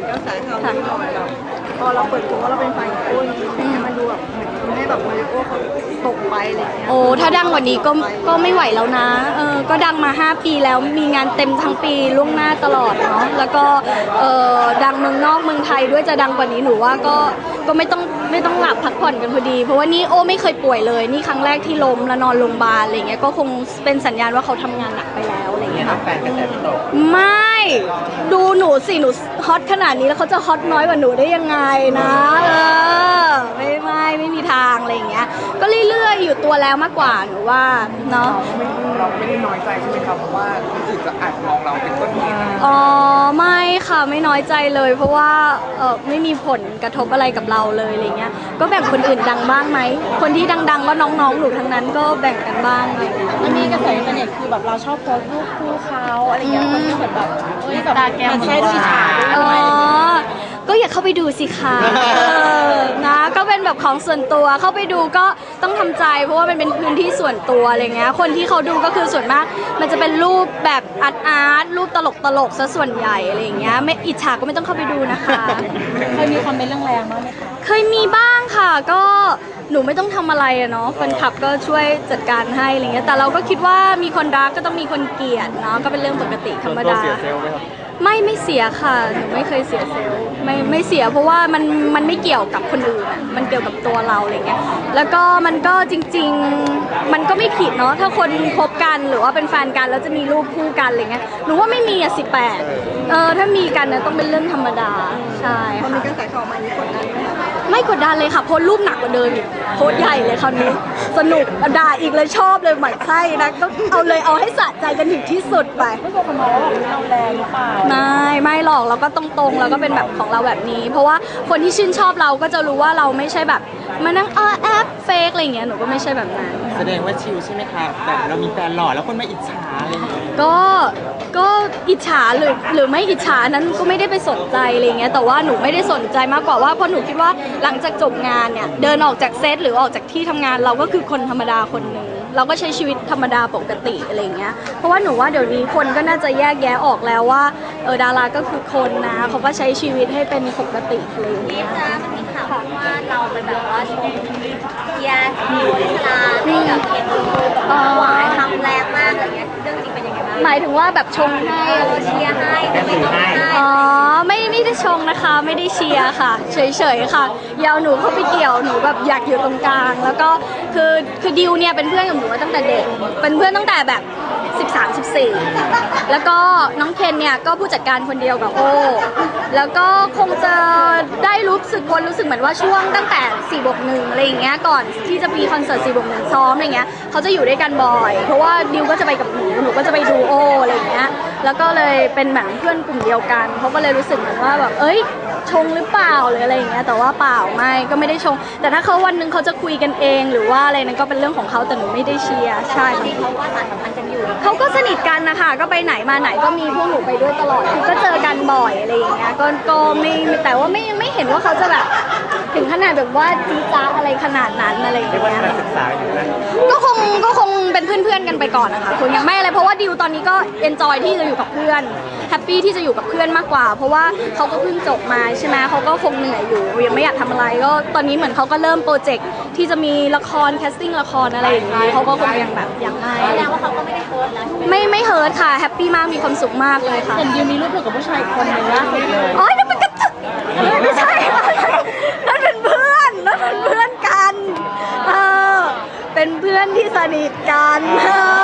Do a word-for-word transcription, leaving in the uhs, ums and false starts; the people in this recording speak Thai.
กระแสข่าวลือหน่อยแบบพอเราเปิดตัวว่าเราเป็นฝ่ายโอ้ยมันดูแบบเหมือนให้แบบมาริโอเขาตกไปอะไรเงี้ยโอ้ถ้าดังกว่านี้ก็ก็ไม่ไหวแล้วนะเออก็ดังมาห้าปีแล้วมีงานเต็มทั้งปีล่วงหน้าตลอดเนาะแล้วก็เออดังเมืองนอกเมืองไทยด้วยจะดังกว่านี้หนูว่าก็ก็ไม่ต้องไม่ต้องหลับพักผ่อนกันพอดีเพราะว่านี่โอ้ไม่เคยป่วยเลยนี่ครั้งแรกที่ล้มแล้วนอนโรงพยาบาลอะไรเงี้ยก็คงเป็นสัญญาณว่าเขาทำงานหนักไปแล้วอะไรเงี้ยค่ะแฟนกระแสตกไม่ดูหนูสิหนูฮอตขนาดนี้แล้วเขาจะฮอตน้อยกว่าหนูได้ยังไงนะเออไม่ไม่ไม่มีทางอะไรเงี้ยก็เรื่อยๆอยู่ตัวแล้วมากกว่าหนูว่าเนาะเราไม่ได้น้อยใจใช่ไหมครับเพราะว่าคนอื่นจะอาจมองเราเป็นต้นเหตุอ๋อไม่ค่ะไม่น้อยใจเลยเพราะว่าเออไม่มีผลกระทบอะไรกับเราเลยอะไรเงี้ยก็แบ่งคนอื่นดังบ้างไหมคนที่ดังๆก็น้องๆหนูทั้งนั้นก็แบ่งกันบ้างอะไรเงี้ยมันมีกระแสอินเทอร์เน็ตคือแบบเราชอบโพสต์รูปคู่เขาอะไรเงี้ยคนที่เหมือนแบบเฮ้ยแบบมันใช่ด้วยฉาด้วยอ๋อก็อย่าเข้าไปดูสิคะนะก็เป็นแบบของส่วนตัวเข้าไปดูก็ต้องทำใจเพราะว่ามันเป็นพื้นที่ส่วนตัวอะไรเงี้ยคนที่เขาดูก็คือส่วนมากมันจะเป็นรูปแบบอาร์ตอาร์ตรูปตลกตลกซะส่วนใหญ่อะไรเงี้ยไม่อิจฉาก็ไม่ต้องเข้าไปดูนะคะเคยมีคอมเมนต์แรงๆบ้างไหมคะเคยมีบ้างค่ะก็หนูไม่ต้องทำอะไรอะเนาะแฟนคลับก็ช่วยจัดการให้อะไรเงี้ยแต่เราก็คิดว่ามีคนรักก็ต้องมีคนเกลียดเนาะก็เป็นเรื่องปกติธรรมดาไม่ไม่เสียค่ะหนูไม่เคยเสียเซลล์ไม่ไม่เสียเพราะว่ามันมันไม่เกี่ยวกับคนอื่นอ่ะมันเกี่ยวกับตัวเราอะไรเงี้ยแล้วก็มันก็จริงๆมันก็ไม่ผิดเนาะถ้าคนคบกันหรือว่าเป็นแฟนกันแล้วจะมีรูปคู่กันอะไรเงี้ยหนูว่าไม่มีอ่ะสิบแปดเออถ้ามีกันนะต้องเป็นเรื่องธรรมดาใช่ค่ะมีกระแสข่าวมานี้กดดันไหมคะไม่กดดันเลยค่ะโพสรูปหนักกว่าเดิมอีกโพสใหญ่เลยคราวนี้สนุกด่าอีกเลยชอบเลยหมั่นไส้นะก็เอาเลยเอาให้สะใจกันถึงที่สุดไปไม่กลัวคนมองว่าแบบเราแรงหรือเปล่าไม่ไม่หรอกเราก็ตรงๆเราก็เป็นแบบของเราแบบนี้เพราะว่าคนที่ชื่นชอบเราก็จะรู้ว่าเราไม่ใช่แบบมานั่งเออแอปเฟกอะไรเงี้ยหนูก็ไม่ใช่แบบนั้นแสดงว่าชิลใช่ไหมคะแบบเรามีแฟนหล่อแล้วคนไม่อิจฉาอะไรอย่างเงี้ยก็ก็อิจฉาหรือหรือไม่อิจฉานั้นก็ไม่ได้ไปสนใจอะไรเงี้ยแต่ว่าหนูไม่ได้สนใจมากกว่าว่าเพราะหนูคิดว่าหลังจากจบงานเนี่ยเดินออกจากเซตหรือออกจากที่ทำงานเราก็คือคนธรรมดาคนหนึ่งเราก็ใช้ชีวิตธรรมดาปกติอะไรเงี้ยเพราะว่าหนูว่าเดี๋ยวนี้คนก็น่าจะแยกแยะออกแล้วว่าเออดาราก็คือคนนะเขาก็ใช้ชีวิตให้เป็นปกติอะไรอย่างเงี้ยนะมันมีข่าวว่าเราไปแบบว่าชมเยียร์ดิวลิลาให้กับเคนดูหวายคำแรงมากอะไรเงี้ยเรื่องจริงเป็นยังไงบ้างหมายถึงว่าแบบชงให้อะไรเชียร์ให้แต่ไม่ให้อ๋อไม่ไม่ได้ชงนะคะไม่ได้เชียร์ค่ะเฉยๆค่ะยาวหนูเข้าไปเกี่ยวหนูแบบอยากอยู่ตรงกลางแล้วก็คือคือดิวเนี่ยเป็นเพื่อนกับหนูมาตั้งแต่เด็กเป็นเพื่อนตั้งแต่แบบสิบสาม สิบสี่แล้วก็น้องเคนเนี่ยก็ผู้จัดการคนเดียวกับโอแล้วก็คงจะได้รู้สึกคนรู้สึกเหมือนว่าช่วงตั้งแต่สี่บวกหนึ่งอะไรอย่างเงี้ยก่อนที่จะมีคอนเสิร์ตสี่บวกหนึ่งซ้อมอะไรเงี้ยเขาจะอยู่ด้วยกันบ่อยเพราะว่าดิวก็จะไปกับหนูหนูก็จะไปดูโออะไรอย่างเงี้ยแล้วก็เลยเป็นเหมือนเพื่อนกลุ่มเดียวกันเขาก็เลยรู้สึกเหมือนว่าแบบเอ้ยชงหรือเปล่าหรืออะไรอย่างเงี้ยแต่ว่าเปล่าไม่ก็ไม่ได้ชงแต่ถ้าเขาวันนึงเขาจะคุยกันเองหรือว่าอะไรนั้นก็เป็นเรื่องของเขาแต่หนูไม่ได้เชียร์ใช่เขาว่าสารสัมพันธ์กันอยู่เขาก็สนิทกันนะคะก็ไปไหนมาไหนก็มีพวกหนูไปด้วยตลอดคือก็เจอกันบ่อยอะไรอย่างเงี้ยก็ก็ไม่แต่ว่าไม่ไม่เห็นว่าเขาจะแบบถึงขนาดแบบว่าจี๊จ้าอะไรขนาดนั้นอะไรอย่างเงี้ยศึกษาอยู่นะก็คงก็คงเป็นเพื่อนๆกันไปก่อนนะคะคุณยังไม่อะไรเพราะว่าดิวตอนนี้ก็เอนจอยที่จะอยู่กับเพื่อนแฮปปี้ที่จะอยู่กับเพื่อนมากกว่าเพราะว่าเขาก็เพิ่งจบมาใช่ไหมเขาก็คงเหนื่อยอยู่ยังไม่อยากทำอะไรก็ตอนนี้เหมือนเขาก็เริ่มโปรเจกต์ที่จะมีละครแคสติ้งละครอะไรอย่างเงี้ยเขาก็คงยังแบบยังไม่แสดงว่าเขาก็ไม่ได้เฮิร์ตนะไม่ไม่เฮิร์ตค่ะแฮปปี้มากมีความสุขมากเลยค่ะเห็นดิวมีรูปกับผู้ชายคนหนึ่งล่าสุดเลยอ๋อนั่นมันก็ไม่ใช่นั่นเป็นเพื่อนนั่นเป็นเพื่อนกันเออเป็นเพื่อนที่สนิทกันเออ